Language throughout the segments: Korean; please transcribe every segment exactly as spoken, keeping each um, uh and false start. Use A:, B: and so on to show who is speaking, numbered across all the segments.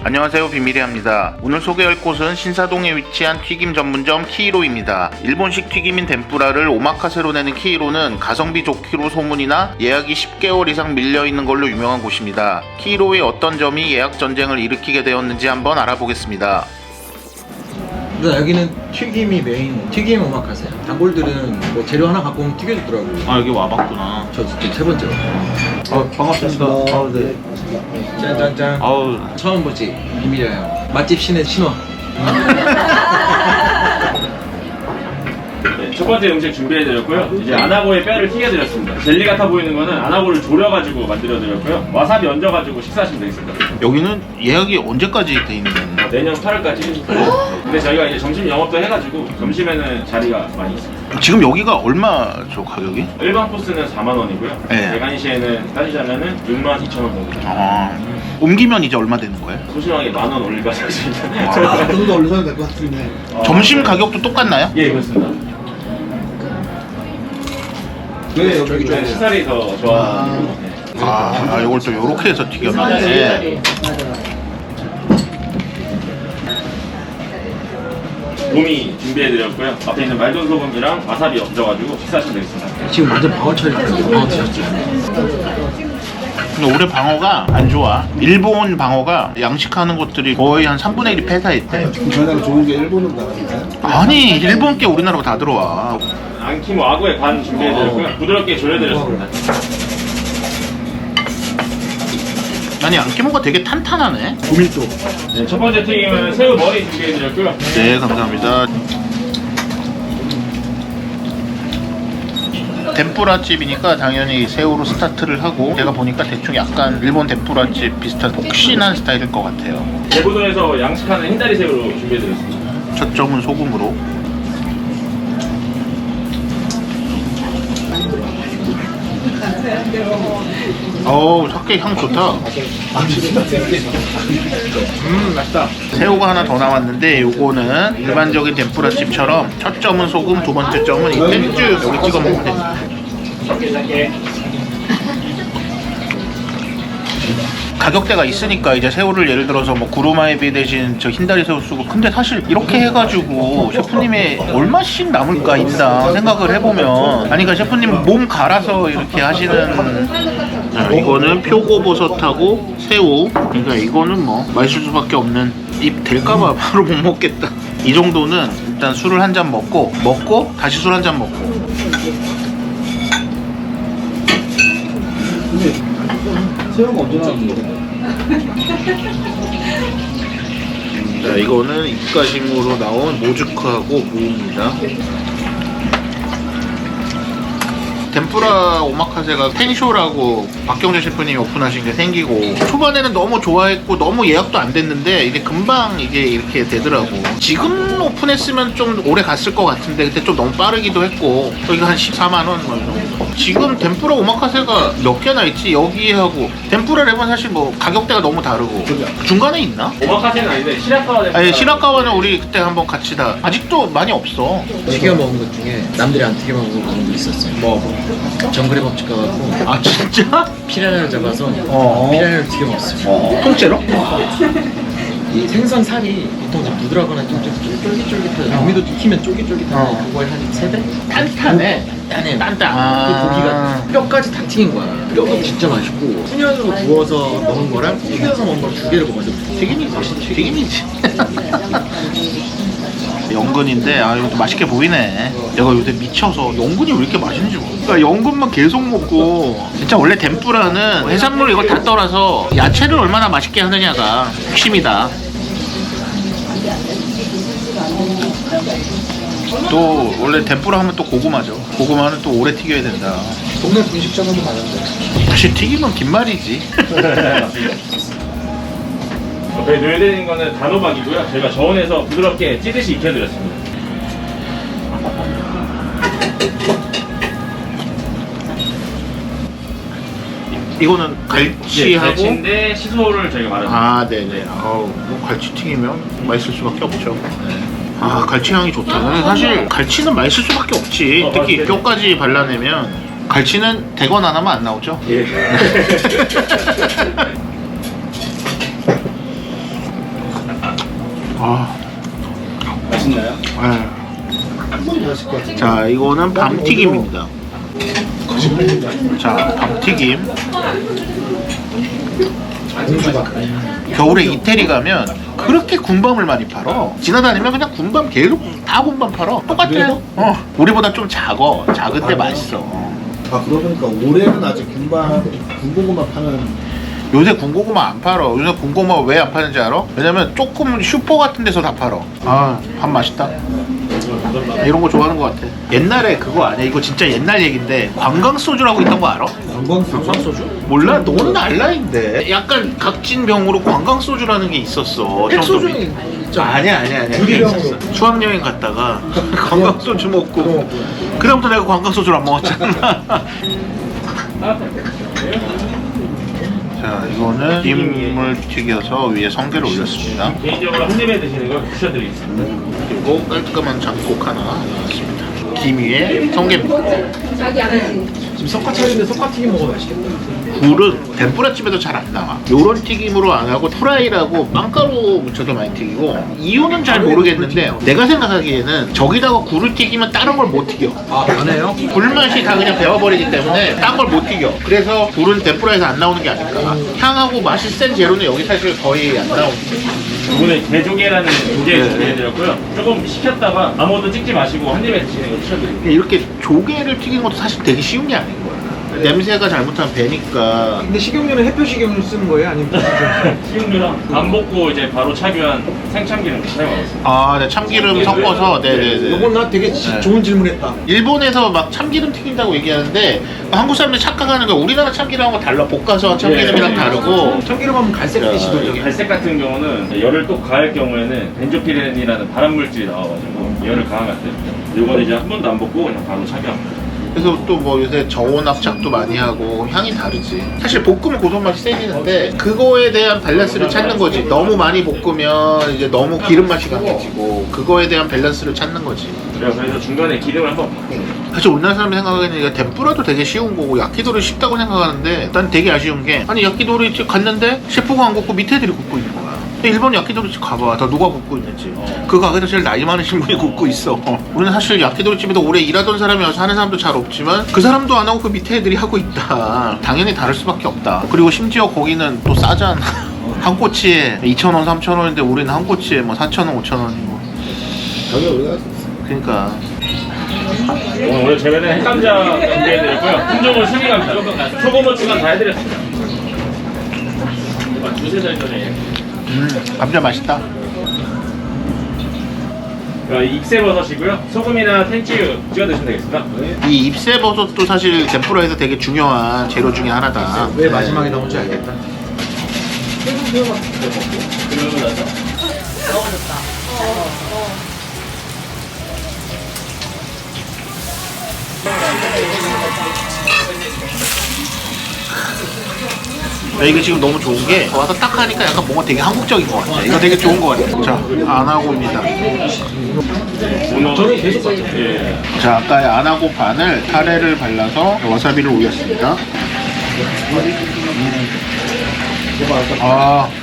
A: 안녕하세요, 비밀이합니다. 오늘 소개할 곳은 신사동에 위치한 튀김 전문점 키이로입니다. 일본식 튀김인 덴뿌라를 오마카세로 내는 키이로는 가성비 좋기로 소문이나 예약이 십 개월 이상 밀려있는 걸로 유명한 곳입니다. 키이로의 어떤 점이 예약 전쟁을 일으키게 되었는지 한번 알아보겠습니다.
B: 근데 여기는 튀김이 메인, 튀김 오마카세. 단골들은 뭐 재료 하나 갖고 오면 튀겨주더라고요.
A: 아, 여기 와봤구나.
B: 저 진짜 세 번째로.
A: 아, 반갑습니다. 아, 네.
B: 짠짠짠.
A: 아우,
B: 처음 보지 비밀이에요. 맛집 신의 신호.
C: 네, 첫 번째 음식 준비해드렸고요. 이제 아나고의 뼈를 튀겨드렸습니다. 젤리 같아 보이는 거는 아나고를 졸여가지고 만들어드렸고요. 와사비 얹어가지고 식사하시면 되겠습니다.
A: 여기는 예약이 언제까지 돼 있는 거예요?
C: 내년 팔월까지. 근데 저희가 이제 점심 영업도 해가지고 점심에는 자리가 많이 있습니다.
A: 지금 여기가 얼마죠, 가격이?
C: 일반 코스는 사만 원이고요.
A: 네.
C: 대간시에는 따지자면은 육만 이천 원 정도.
A: 아, 옮기면 이제 얼마 되는 거예요?
C: 소심하게 만 원 올릴 것 같습니다.
D: 아, 좀 더 올려야 될 것 같은데.
A: 점심 가격도 똑같나요?
C: 예, 그렇습니다.
D: 왜 여기
C: 저기
D: 좀
C: 좀 시설이 더 좋아하는 네.
A: 아, 아 이걸 또 요렇게 해서 튀겨놨네.
C: 곰이 준비해드렸고요. 앞에 있는 말돈 소금이랑 와사비 얹어가지고 식사하시면 되겠습니다.
B: 지금 완전 방어 처리했는데 방어 드셨죠?
A: 근데 올해 방어가 안 좋아. 일본 방어가 양식하는 곳들이 거의 한 삼분의 일이 폐사했대.
D: 저희나라 좋은 게 일본으로 나가니까.
A: 아니, 일본 게 우리나라로 다 들어와.
C: 안키모 아구의 간 준비해드렸고요. 부드럽게 졸여드렸습니다.
A: 아니, 안키모가 되게 탄탄하네.
D: 고밀도.
C: 네, 첫 번째 튀김은 새우 머리 준비해드렸고요.
A: 네, 감사합니다. 덴뿌라집이니까 당연히 새우로 스타트를 하고, 제가 보니까 대충 약간 일본 덴뿌라집 비슷한 폭신한 스타일일 것 같아요.
C: 대부도에서 양식하는 흰다리 새우로 준비해드렸습니다.
A: 첫 점은 소금으로. 어우, 사케 향 좋다. 음, 맛있다. 새우가 하나 더 나왔는데, 요거는 일반적인 덴뿌라집처럼 첫 점은 소금, 두 번째 점은 이 텐주 여기 찍어 먹으면 됩니다. 가격대가 있으니까 이제 새우를 예를 들어서 뭐 구루마에비 대신 저 흰다리 새우 쓰고, 근데 사실 이렇게 해가지고 셰프님의 얼마씩 남을까 인당 생각을 해보면, 아니 그러니까 셰프님 몸 갈아서 이렇게 하시는. 자, 이거는 표고버섯하고 새우. 그러니까 이거는 뭐 맛있을 수밖에 없는, 입 될까봐 바로 못 먹겠다. 이 정도는 일단 술을 한 잔 먹고 먹고 다시 술 한 잔 먹고.
D: 근데 새우가 언제 나왔는 거야?
A: 자, 이거는 입가심으로 나온 모즈크하고 무입니다. 덴뿌라 오마카세가 텐쇼라고 박경재 셰프님이 오픈하신 게 생기고, 초반에는 너무 좋아했고 너무 예약도 안 됐는데 이게 금방 이게 이렇게 되더라고. 지금 오픈했으면 좀 오래 갔을 것 같은데 그때 좀 너무 빠르기도 했고, 여기가 한 십사만 원 뭐 정도. 지금 덴뿌라 오마카세가 몇 개나 있지? 여기하고 덴뿌라 랩은 사실 뭐 가격대가 너무 다르고. 중간에 있나?
C: 오마카세는 아닌데 시라카와 된
A: 아니, 시라카와는 우리 그때 한번 같이 다, 아직도 많이 없어.
B: 튀겨 먹은 것 중에 남들이 안 튀겨 먹은 거 있었어요.
A: 뭐?
B: 정글의 법칙 가갖고
A: 아, 진짜?
B: 피라냐를 잡아서
A: 어.
B: 피라냐를 튀겨 먹었어요.
A: 어. 통째로?
B: 이 생선 살이 보통 좀 부드러거나 좀 쫄깃쫄깃하죠. 고기도 튀기면 쫄깃쫄깃한데
A: 어.
B: 그거의 한 세 배?
A: 단단해.
B: 단단해요.
A: 단단.
B: 그
A: 아.
B: 고기가 뼈까지 다 튀긴 거야. 뼈가 진짜 맛있고, 훈연으로 구워서 먹은 거랑 튀겨서 먹은 걸 두 개를 먹었는데
A: 튀김이지. 튀김이지. 연근인데, 아, 이것도 맛있게 보이네. 내가 요새 미쳐서 연근이 왜 이렇게 맛있는지 모르겠어. 그러니까 연근만 계속 먹고. 진짜 원래 덴뿌라는 해산물 이걸 다 떨어서 야채를 얼마나 맛있게 하느냐가 핵심이다. 또 원래 덴뿌라 하면 또 고구마죠. 고구마는 또 오래 튀겨야 된다.
D: 동네 분식점은 많은데.
A: 사실 튀기면 긴 말이지.
C: 옆에 놓여드린 거는 단호박이고요. 저희가 저온에서 부드럽게 찌듯이 익혀드렸습니다.
A: 이거는 갈치하고.
C: 네, 갈치인데 시소를 저희가 말아줍니다.
A: 아, 네네. 아우, 뭐 갈치 튀기면 맛있을 수밖에 없죠. 아, 갈치 향이 좋다. 근데 사실 갈치는 맛있을 수밖에 없지.
C: 어,
A: 특히
C: 맞아요.
A: 뼈까지 발라내면. 갈치는 대건 안 하면 안 나오죠?
C: 예.
A: 자, 이거는 밤튀김입니다. 자, 밤튀김. 겨울에 이태리 가면 그렇게 군밤을 많이 팔어. 지나다니면 그냥 군밤 계속 다 군밤 팔어. 똑같아요. 어, 우리보다 좀 작어. 작은데 맛있어.
D: 아 그러고 보니까 올해는 아직 군밤 군고구마 파는
A: 요새 군고구마 안 팔어. 요새 군고구마 왜 안 파는지 알아? 왜냐면 조금 슈퍼 같은 데서 다 팔어. 아, 밥 맛있다. 이런 거 좋아하는 것 같아. 옛날에 그거 아니야? 이거 진짜 옛날 얘긴데 관광 소주라고 있던 거 알아?
D: 관광 소주?
A: 몰라? 너는 알라인데. 약간 각진 병으로 관광 소주라는 게 있었어.
B: 핵소주는
A: 저 아니야 아니야 아니야.
D: 유리병으로.
A: 수학여행 갔다가 관광 소주 먹고 그다음부터 내가 관광 소주를 안 먹었잖아. 자, 이거는 김을 튀겨서 위에 성게를 올렸습니다.
C: 개인적으로 한 입에 드시는 걸 추천드리겠습니다.
A: 그리고 깔끔한 잡곡 하나 넣었습니다. 김 위에 성게입니다.
B: 지금 석화차리인데 석화튀김 먹어도 맛있겠다.
A: 굴은 덴뿌라집에도 잘 안 나와. 요런 튀김으로 안 하고 프라이라고 빵가루 묻혀서 많이 튀기고, 이유는 잘 모르겠는데 내가 생각하기에는 저기다가 굴을 튀기면 다른 걸 못 튀겨.
B: 아, 안 해요?
A: 굴맛이 다 그냥 배워버리기 때문에 딴 걸 못 튀겨. 그래서 굴은 덴뿌라에서 안 나오는 게 아닐까. 향하고 맛이 센 재료는 여기 사실 거의 안 나오는
C: 이번에 개조개라는 조개
A: 네.
C: 준비해드렸고요. 조금 식혔다가 아무것도 찍지 마시고 한 입에 드시는 걸 추천드립니다.
A: 이렇게 조개를 튀기는 것도 사실 되게 쉬운 게 아닌 거야. 냄새가 잘못하면 배니까.
B: 근데 식용유는 해표 식용유 쓰는 거예요? 아니면 무슨
C: 식용유랑 안 볶고 이제 바로 차교한 생참기름 사용하고 있습니다.
A: 아, 네, 참기름 섞어서. 네네네.
B: 요건 나 되게 지-
A: 네.
B: 좋은 질문했다.
A: 일본에서 막 참기름 튀긴다고 얘기하는데 한국 사람들이 착각하는 거야. 우리나라 참기름하고 달라. 볶아서 한 참기름이랑
C: 예.
A: 다르고.
B: 참기름 하면 갈색빛이도
C: 이게 갈색 같은 경우는 열을 또 가할 경우에는 벤조피렌이라는 발암 물질이 나와가지고 열을 강하게 안 됩니다. 이거는 이제 한 번도 안 볶고 그냥 바로 착용합니다.
A: 그래서 또 뭐 요새 저온 압착도 많이 하고 향이 다르지. 사실 볶으면 고소 맛이 세지는데 그거에 대한 밸런스를 찾는 거지. 너무 많이 볶으면 이제 너무 기름 맛이 강해지고, 그거에 대한 밸런스를 찾는 거지.
C: 그래서 그래서 중간에 기름을 한번
A: 사실 우리나라 사람이 생각하기에는 이게 덴뿌라도 되게 쉬운 거고 야키도리 쉽다고 생각하는데, 난 되게 아쉬운 게, 아니 야키도리 집 갔는데 셰프가 안 굽고 밑에 애들이 굽고 있는 거야. 근데 일본 야키도리 집 가봐. 다 누가 굽고 있는지. 그 가게에서 제일 나이 많으신 분이 굽고 있어. 우리는 사실 야키도리 집에도 오래 일하던 사람이 와서 하는 사람도 잘 없지만 그 사람도 안 하고 그 밑에 애들이 하고 있다. 당연히 다를 수밖에 없다. 그리고 심지어 거기는 또 싸잖아. 한 꼬치에 이천 원, 삼천 원인데 우리는 한 꼬치에 뭐 사천 원, 오천 원이고.
D: 저기 우리가
A: 그러니까
C: 오늘 오늘 제외된 핵감자 준비해드렸고요. 품종은 수미감자. 소금 후추간 다 해드렸습니다. 두세 달 전에
A: 음, 감자 맛있다.
C: 익새버섯이고요. 소금이나 텐치유 찍어 드시면 되겠습니다.
A: 이 잎새버섯도 사실 덴뿌라에서 되게 중요한 재료 중에 하나다.
B: 왜 마지막에 나온지 알겠다.
C: 그러고 나서
A: 야, 이거 지금 너무 좋은 게 와서 딱 하니까 약간 뭔가 되게 한국적인 것 같아. 이거 되게 좋은 것 같아. 자, 안하고입니다.
C: 저는 계속 봤죠. 예.
A: 자, 아까 안하고 반을 타레를 발라서 와사비를 올렸습니다. 아,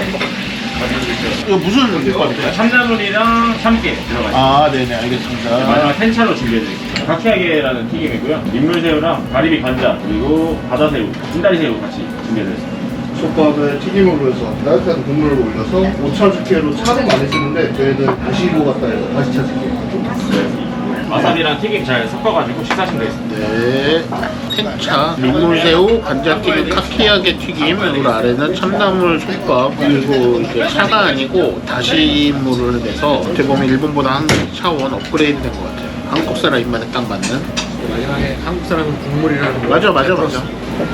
A: 이거 무슨 볶음이에요?
C: 참나물이랑 참깨 들어가 있습니다.
A: 아, 네네, 알겠습니다.
C: 마지막 텐차로 준비해드리겠습니다. 카키아게라는 튀김이고요. 민물새우랑 가리비 관자 그리고 바다새우, 흰다리새우 같이 준비해드렸습니다.
D: 솥밥에 튀김으로 해서 따뜻한 국물을 올려서 오차즈케로 차를 많이 쓰는데 저희는 다시 이거 갖다 해서 다시 차즈케.
C: 와사비랑 튀김 잘 섞어가지고 식사하시면 되겠습니다.
A: 네, 텐차, 민물새우, 감자튀김, 카키야게 튀김, 그리고 아래는 참나물 솥밥, 그리고 이제 차가 아니고 다시물을 내서 어떻게 보면 일본보다 한 차원 업그레이드 된 것 같아요. 한국 사람 입맛에 딱 맞는.
B: 마지막에 한국 사람은 국물이라는 거.
A: 맞아, 맞아, 맞아.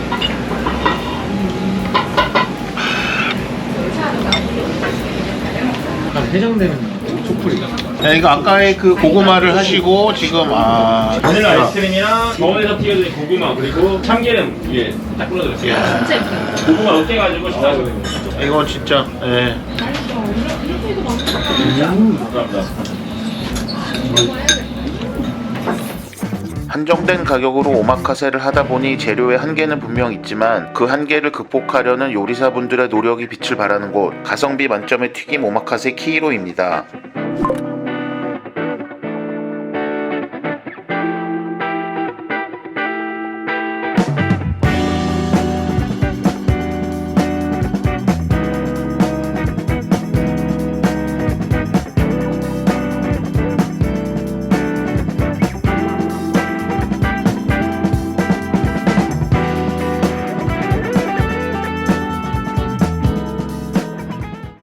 B: 약간 해장되는 소풀이.
A: 야, 이거 아까의 그 고구마를 하시고 지금 아
C: 바닐라 아이스크림이랑 저온에서 튀겨진 고구마 그리고 참기름 위에 딱 뿌려드렸어요. 고구마 으깨가지고 식사하거든요.
A: 이거 진짜 예.
C: 감사합니다.
A: 한정된 가격으로 오마카세를 하다 보니 재료의 한계는 분명 있지만 그 한계를 극복하려는 요리사분들의 노력이 빛을 발하는 곳, 가성비 만점의 튀김 오마카세 키이로입니다.